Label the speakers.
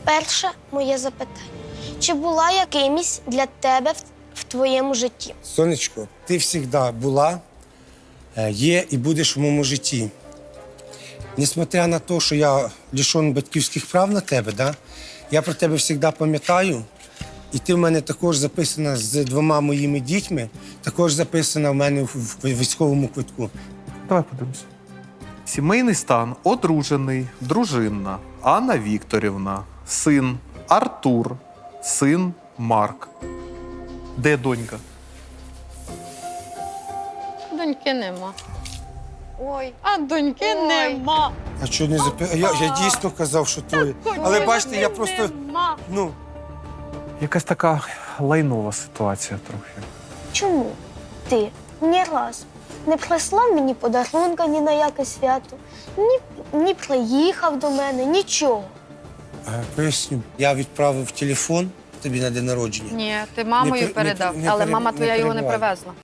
Speaker 1: Перше моє запитання. Чи була якимсь для тебе в твоєму житті?
Speaker 2: Сонечко, ти завжди була, є і будеш в моєму житті. Несмотря на те, що я лишений батьківських прав на тебе, да, я про тебе завжди пам'ятаю. І ти в мене також записана з 2 моїми дітьми, також записана в мене в військовому квитку.
Speaker 3: Давай подивимося. Сімейний стан одружений, дружинна, Анна Вікторівна, син Артур, син Марк. Де донька?
Speaker 4: Доньки нема. Ой. А доньки нема.
Speaker 2: А що не Я дійсно казав, що твоє. Але бачите, я просто, ну,
Speaker 3: Якась така лайнова ситуація трохи.
Speaker 1: Чому ти ні разу не прислав мені подарунка ні на яке свято, ні приїхав до мене, нічого?
Speaker 2: Поясню. Я відправив телефон тобі на день народження.
Speaker 4: Ні, ти мамою
Speaker 2: Не
Speaker 4: передав,
Speaker 2: не
Speaker 4: але
Speaker 2: пере-
Speaker 4: мама
Speaker 2: не
Speaker 4: твоя його не
Speaker 2: перебивай.
Speaker 4: привезла.